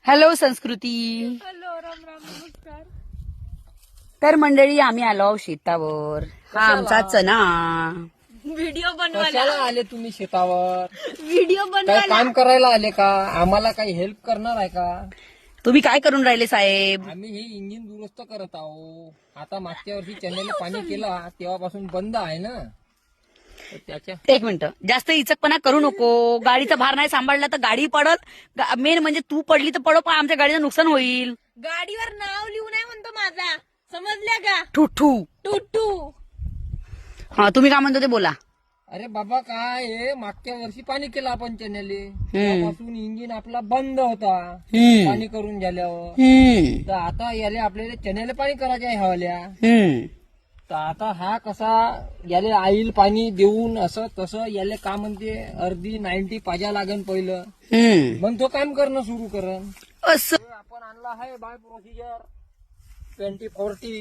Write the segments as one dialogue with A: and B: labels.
A: Hello संस्कृती.
B: Hello, Ram Ram, नमस्कार.
A: तर मंडळी आम्ही आलो शेतावर. हा आमचा चना.
B: व्हिडिओ
C: कशाला
B: बनवायला
C: आले तुम्ही शेतावर?
B: व्हिडिओ
C: काय
B: बनवायला
C: काम करायला आले का? आम्हाला काही हेल्प करणार आहे का?
A: तुम्ही काय करून राहिले साहेब?
C: आम्ही हे इंजिन दुरुस्त करत आहो. आता मागच्या वर्षी चॅनेल पाणी केला तेव्हापासून बंद आहे ना, तर त्याच्या
A: एक मिनिट, जास्त इचकपणा करू नको. गाडीचा भार नाही सांभाळला तर गाडी पडत. मेन म्हणजे तू पडली तर पडो, पण आमच्या गाडीचं नुकसान होईल.
B: गाडीवर नाव लिहून आहे म्हणतो माझा, समजल्या का?
A: ठुठू.
B: टुटू.
A: हा तुम्ही काय म्हणतो ते बोला.
C: अरे बाबा काय आहे, मागच्या वर्षी पाणी केलं आपण चॅनेल, तेव्हापासून इंजिन आपला बंद होता पाणी करून झाल्यावर. तर आता याले आपल्याला चॅनेल पाणी करायचे आहे हवाल्या. तर आता हा कसा याले आईल पाणी देऊन असं तसं याले का म्हणते अर्धी 90 पाजा लागन पहिलं, मग तो काम करणं सुरू करण.
A: असं
C: आपण आणला आहे बाय प्रोसिजर 2040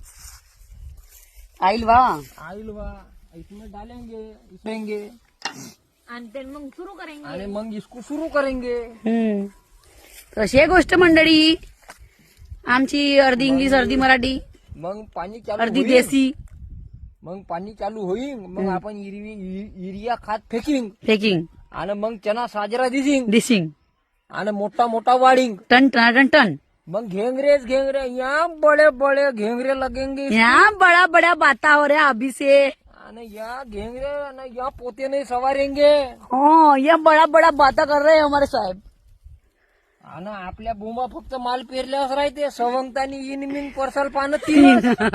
A: आईल वा.
C: आईल वा, इसमें डालेंगे इसमेंगे
B: आणि ते मग सुरू करेंगे.
C: आणि मग इसको सुरू करेंगे.
A: कशी आहे गोष्ट मंडळी आमची? अर्धी इंग्लिश अर्धी मराठी,
C: मग पाणी चालू
A: अर्धी
C: होईल.
A: देसी.
C: मग पाणी चालू होईल, मग आपण युरिया खात फेकिंग
A: फेकिंग
C: आणि मग चना साजरा दिसिंग
A: डिसिंग
C: आणि मोठा मोठा वाढिंग.
A: Ton ton ton.
C: मग घेंगरे या बड़े बड़े घेंगरे लगेंगे इसको.
A: यहाँ बड़ा बड़ा बाता हो रहा अभी से.
C: आणि या घेंगरे आणि या पोते नहीं सवारेंगे.
A: हाँ ये बड़ा बड़ा बाता कर रहे हैं हमारे साहेब.
C: आणि आपल्या बोंबा फक्त माल पेरल्यावर राहते, सवंगतानी इनमिन परसाल पानं तीन.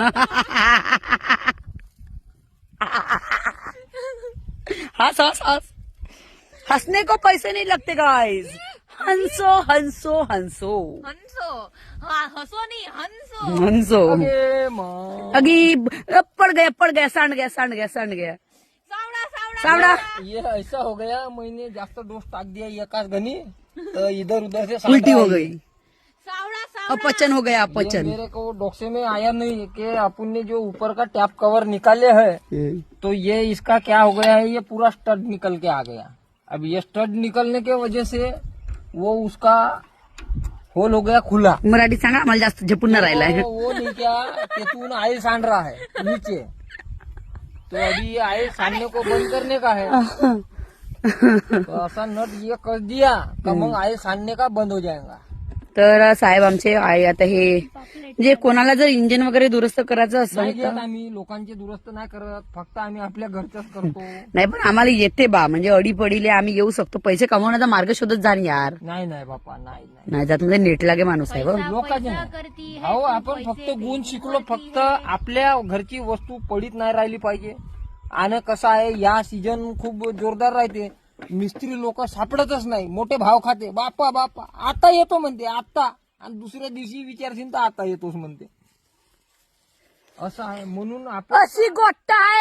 A: हंस हंस हंस. हंसने को पैसे नहीं लगते गाइस. हंसो हंसो हंसो
B: हंसो. हा, हसो नाही, हंसो.
A: हंसो.
C: अगे मग
A: अगी पड़ गया सांड गया सांड गया सांड गया.
B: सावडा सावडा
A: सावड़ा.
C: ये ऐसा हो गया, मैंने जास्त डोस टाक दिया एकाच घनी, तो इधर उधर से
A: उल्टी हो
C: सांडा
A: गई.
B: सावडा सावडा.
A: अपचन हो गया
C: ये
A: अपचन.
C: मेरे को डोक्से में आया नहीं कि अपन ने जो ऊपर का टैप कवर निकाले है, तो ये इसका क्या हो गया है, ये पूरा स्टड निकल के आ गया. अब ये स्टड निकलने के वजह से वो उसका होल हो गया खुला.
A: मराठी सांगा, आम्हाला जास्त झेपून न राहिलाय.
C: वो नहीं क्या, तेतून आयल सांड रहा है नीचे, तो अभी ये आयल सांडने को बंद करने का है. तो ऐसा नट ये कर दिया का मग आयल सांडने का बंद हो जाएगा.
A: तर साहेब आमचे आहे आता हे म्हणजे कोणाला जर इंजिन वगैरे दुरुस्त करायचं
C: नाही
A: असेल तर
C: घेत आम्ही, लोकांचे दुरुस्त नाही करत, फक्त आम्ही आपल्या घरचंच करतो.
A: नाही, पण आम्हाला येते बा, म्हणजे अडीपडीले आम्ही येऊ शकतो. पैसे कमवण्याचा मार्ग शोधत जा ना यार.
C: नाही नाही बापा, नाही नाही.
A: नाही जात म्हणजे नेट लागे माणूस आहे बघ.
C: लोकांचे
B: पैसा
C: नाही.
B: करती है,
C: हो, आपण फक्त गुण शिकलो, फक्त आपल्या घरची वस्तू पडीत नाही राहिली पाहिजे. आणि कसं आहे, या सीजन खूप जोरदार राहते, मिस्त्री लोक सापडतच नाही, मोठे भाव खाते. बापा बापा आता येतो म्हणते, आता, आणि दुसऱ्या दिवशी विचारशील तर आता येतोच म्हणते. असं आहे, म्हणून आपण
A: अशी गोष्ट आहे.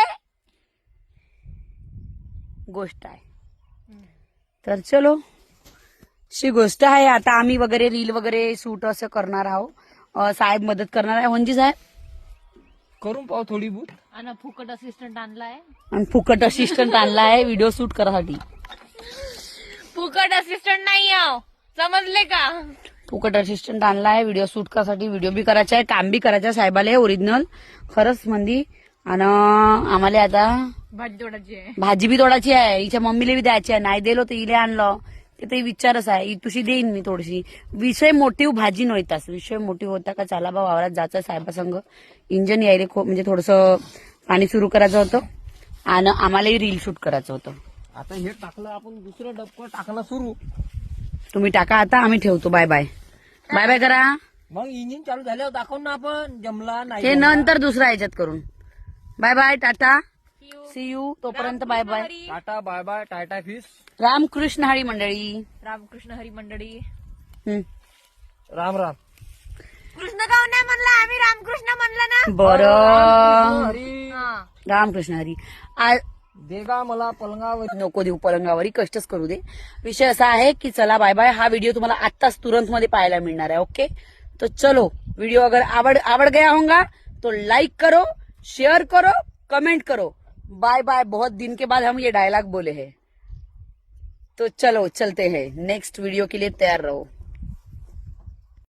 A: तर चलो, अशी गोष्ट आहे. आता आम्ही वगैरे रील वगैरे शूट असं करणार आहोत. साहेब मदत करणार आहे. म्हणजे साहेब
C: करून पाहू थोडी बहुत.
B: आणि फुकट असिस्टंट आणलाय.
A: आणि फुकट असिस्टंट आणला आहे व्हिडिओ शूट करायसाठी.
B: फुकट असिस्टंट नाही आहो, समजले का?
A: फुकट असिस्टंट आणला आहे व्हिडिओ शूट करायसाठी. व्हिडिओ बी करायचा आहे, काम बी करायचं आहे साहेबाला ओरिजिनल खरंच मंदी. आणि आम्हाला आता
B: भाजी तोडायची आहे.
A: भाजी बी तोडायची आहे. हिच्या मम्मीला बी द्यायची आहे. नाही दिलो तर इले आणलं ते तर विचारच आहे. तुशी देईन मी थोडीशी. विषय मोटिव्ह भाजी नव्हताच, विषय मोटिव्ह होता का चला बा वावरात जायचं साहेबासंग. इंजन यायले म्हणजे थोडंसं पाणी सुरू करायचं होतं आणि आम्हालाही रील शूट करायचं होतं.
C: आता हे टाकलं आपण, दुसरं डबकं टाकणं सुरू.
A: तुम्ही टाका आता, आम्ही ठेवतो. Bye bye. बाय बाय करा.
C: मग इंजिन चालू झाल्यावर दाखवून ना आपण, जमला नाही
A: हे
C: जमला.
A: नंतर दुसऱ्या ह्याच्यात करून. Bye bye, tata, see you. तोपर्यंत bye bye.
B: Hari.
C: Tata bye bye, tata fish.
A: Ramkrishna Hari मंडळी.
B: रामकृष्ण हरी मंडळी.
C: राम राम.
B: कृष्ण गाव नाही म्हणलं आम्ही, रामकृष्ण म्हणलं ना.
A: बरं,
C: हरी
B: हा.
A: रामकृष्ण हरी.
C: देगा मला पलंगावर.
A: नको देऊ पलंगावरी, कष्टच करू दे. विषय असा आहे की चला बाय बाय. हा व्हिडिओ तुम्हाला आत्ताच तुरंत मध्ये पाहायला मिळणार आहे. ओके, तो चलो. व्हिडिओ अगर आवड़ गया होगा तो लाइक करो, शेयर करो, कमेंट करो. Bye bye. बहुत दिन के बाद हम ये डायलॉग बोले हैं, तो चलो चलते हैं. नेक्स्ट वीडियो के लिए तैयार रहो.